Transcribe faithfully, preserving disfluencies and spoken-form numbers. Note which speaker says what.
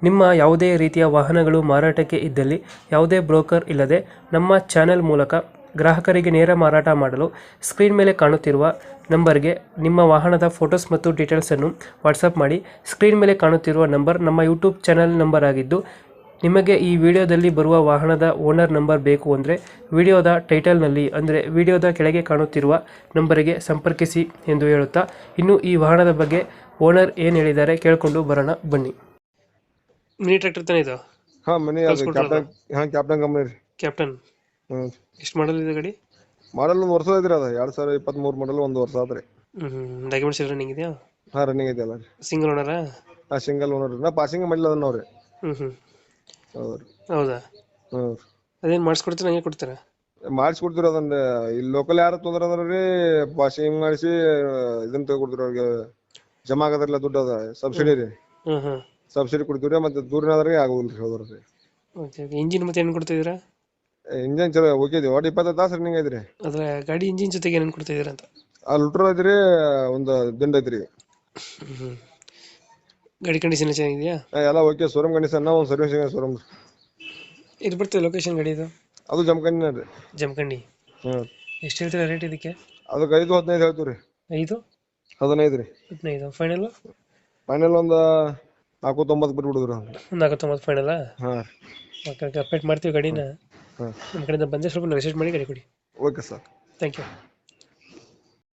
Speaker 1: ನಿಮ್ಮ ಯಾವುದೇ ರೀತಿಯ ವಾಹನಗಳು ಮಾರಾಟಕ್ಕೆ ಇದ್ದಲ್ಲಿ ಯಾವುದೇ ಬ್ರೋಕರ್ ಇಲ್ಲದೆ ನಮ್ಮ ಚಾನೆಲ್ ಮೂಲಕ ಗ್ರಾಹಕರಿಗೆ ನೇರ ಮಾರಾಟ ಮಾಡಲು ಸ್ಕ್ರೀನ್ ಮೇಲೆ ಕಾಣುತ್ತಿರುವ ನಂಬರ್ಗೆ ನಿಮ್ಮ ವಾಹನದ ಫೋಟೋಸ್ ಮತ್ತು ಡೀಟೇಲ್ಸನ್ನು ವಾಟ್ಸಪ್ ಮಾಡಿ. ಸ್ಕ್ರೀನ್ ಮೇಲೆ ಕಾಣುತ್ತಿರುವ ನಂಬರ್ ನಮ್ಮ ಯೂಟ್ಯೂಬ್ ಚಾನೆಲ್ ನಂಬರ್ ಆಗಿದ್ದು, ನಿಮಗೆ ಈ ವಿಡಿಯೋದಲ್ಲಿ ಬರುವ ವಾಹನದ ಓನರ್ ನಂಬರ್ ಬೇಕು ಅಂದರೆ ವಿಡಿಯೋದ ಟೈಟಲ್ನಲ್ಲಿ ಅಂದರೆ ವಿಡಿಯೋದ ಕೆಳಗೆ ಕಾಣುತ್ತಿರುವ ನಂಬರಿಗೆ ಸಂಪರ್ಕಿಸಿ ಎಂದು ಹೇಳುತ್ತಾ, ಇನ್ನು ಈ ವಾಹನದ ಬಗ್ಗೆ ಓನರ್ ಏನು ಹೇಳಿದ್ದಾರೆ ಕೇಳಿಕೊಂಡು ಬರೋಣ ಬನ್ನಿ. ಮಿನಿ ಟ್ರ್ಯಾಕ್ಟರ್ ತಾನೇ ಇದು?
Speaker 2: ಹಾ ಮನಿ ಅದು ಕ್ಯಾಪ್ಟನ್. ಹಾ ಕ್ಯಾಪ್ಟನ್ ಕಂಪನಿ ರೀ.
Speaker 1: ಕ್ಯಾಪ್ಟನ್
Speaker 2: ಹ್ಮ್
Speaker 1: ಎಷ್ಟು ಮಾಡಲ್ ಇದೆ ಗಾಡಿ?
Speaker 2: ಮಾಡಲ್ ಒಂದು ವರ್ಷ ಐತ್ರಿ. ಅದ ಎರಡ್ ಸಾವಿರ ಇಪ್ಪತ್ತ್ ಮೂರ್ ಮಾಡಲ್ ಒಂದು ವರ್ಷ ಆದ್ರಿ.
Speaker 1: ಹ್ಮ್ ಡಾಕ್ಯುಮೆಂಟ್ಸ್ ಎಲ್ಲ ರನ್ನಿಂಗ್ ಇದೆಯಾ?
Speaker 2: ಹಾ ರನ್ನಿಂಗ್ ಐತಿ ಅಲ್ಲ ರೀ.
Speaker 1: ಸಿಂಗಲ್ ಓನರಾ?
Speaker 2: ಹಾ ಸಿಂಗಲ್ ಓನರ್ ನಾ ಪಾಸಿಂಗ್ ಮಾಡಿಲ್ಲ ಅದನ್ನ ಅವ್ರಿ.
Speaker 1: ಹ್ಮ್ ಹ್ಮ್
Speaker 2: ಹೌದ್ರಿ.
Speaker 1: ಹೌದಾ?
Speaker 2: ಹ್ಮ್
Speaker 1: ಅದೇನ್ ಮಾಡಿಸ್ಕೊಡ್ತೀರಾ ಹಂಗೆ ಕೊಡ್ತೀರಾ?
Speaker 2: ಮಾಡಿಸ್ಕೊಡ್ತೀರಿ ಅದನ್ನ. ಇಲ್ಲಿ ಲೋಕಲ್ ಯಾರು ತೊಂದ್ರೆ ಅಂದ್ರಿ ಪಾಸಿಂಗ್ ಮಾಡಿಸಿ ಇದನ್ನ ತಗೊಡ್ತೀರಿ ಅವ್ರಿಗೆ. ಜಮಾ ಆಗದ್ರಲ್ಲ ದುಡ್ಡು ಅದ ಸಬ್ಸಿಡಿ ರೀ.
Speaker 1: ಹ್ಮ್ ಹ್ಮ್
Speaker 2: ಸಬ್ಸಿಡಿ ಕೊಡ್ತೀವ್ರಿ. ಮತ್ತೆ ದೂರಿನಾದ್ರಿಗೆ ಆಗೋದಿಲ್ರಿ. ಹೌದ್ರಿ.
Speaker 1: Okay okay. ಇಂಜಿನ್ ಮತ್ತೆ ಏನು ಕೊಡ್ತಿದ್ದೀರಾ?
Speaker 2: ಇಂಜನ್ ಚಲೋ ಓಕೆ ಇದೆ. ಒಟ್ಟು ಇಪ್ಪತ್ತೈದು ತಾಸು ರನ್ನಿಂಗ್ ಐತ್ರಿ.
Speaker 1: ಅದ್ರ ಗಾಡಿ ಇಂಜಿನ್ ಜೊತೆಗೆ ಏನೇನು ಕೊಡ್ತಿದ್ದೀರಾ ಅಂತ?
Speaker 2: ಆ ಲುಟ್ರ್ ಐತ್ರಿ, ಒಂದು ದಿಂಡ್ ಐತ್ರಿ.
Speaker 1: ಹ್ಮ್ ಗಾಡಿ ಕಂಡೀಷನ್ ಚೆನ್ನಾಗಿದೆಯಾ?
Speaker 2: ಎಲ್ಲ ಓಕೆ. Showroom condition. ಒಂದು ಸರ್ವಿಸಿಂಗ್ ಶೋರೂಮ್.
Speaker 1: ಇದು ಬರ್ತದೆ ಲೊಕೇಶನ್ ಗಾಡಿ ಇದು?
Speaker 2: ಅದು ಜಮಖಂಡಿ ರೀ.
Speaker 1: ಜಮಖಂಡಿ.
Speaker 2: ಹ್ಮ್
Speaker 1: ಎಷ್ಟು ಹೇಳ್ತೀರಾ ರೇಟ್ ಇದಕ್ಕೆ?
Speaker 2: ಅದಕ್ಕೆ ಐದು ಹದಿನೈದು ಹೇಳ್ತೀವಿ ರೀ.
Speaker 1: ಐದು
Speaker 2: ಹದಿನೈದು ರೀ.
Speaker 1: ಹದಿನೈದು ಫೈನಲ್?
Speaker 2: ಫೈನಲ್ ಒಂದು ನಾಲ್ಕು ತೊಂಬತ್ತು ಬಿಟ್ಟು ಬಿಡುದ್ರಿ.
Speaker 1: ಒಂದು ನಾಲ್ಕು ತೊಂಬತ್ತು ಫೈನಲ್ಲ?
Speaker 2: ಹಾಂ
Speaker 1: ಓಕೆ ಓಕೆ. ಅಪ್ಡೇಟ್ ಮಾಡ್ತೀವಿ ಗಾಡಿನ.
Speaker 2: ಹಾಂ
Speaker 1: ನಮ್ಮ ಕಡೆಯಿಂದ ಬಂದರೆ ಸ್ವಲ್ಪ ನೆಗೋಷಿಯೇಟ್ ಮಾಡಿ ಗಾಡಿ ಕೊಡಿ.
Speaker 2: Okay sir.
Speaker 1: Thank you.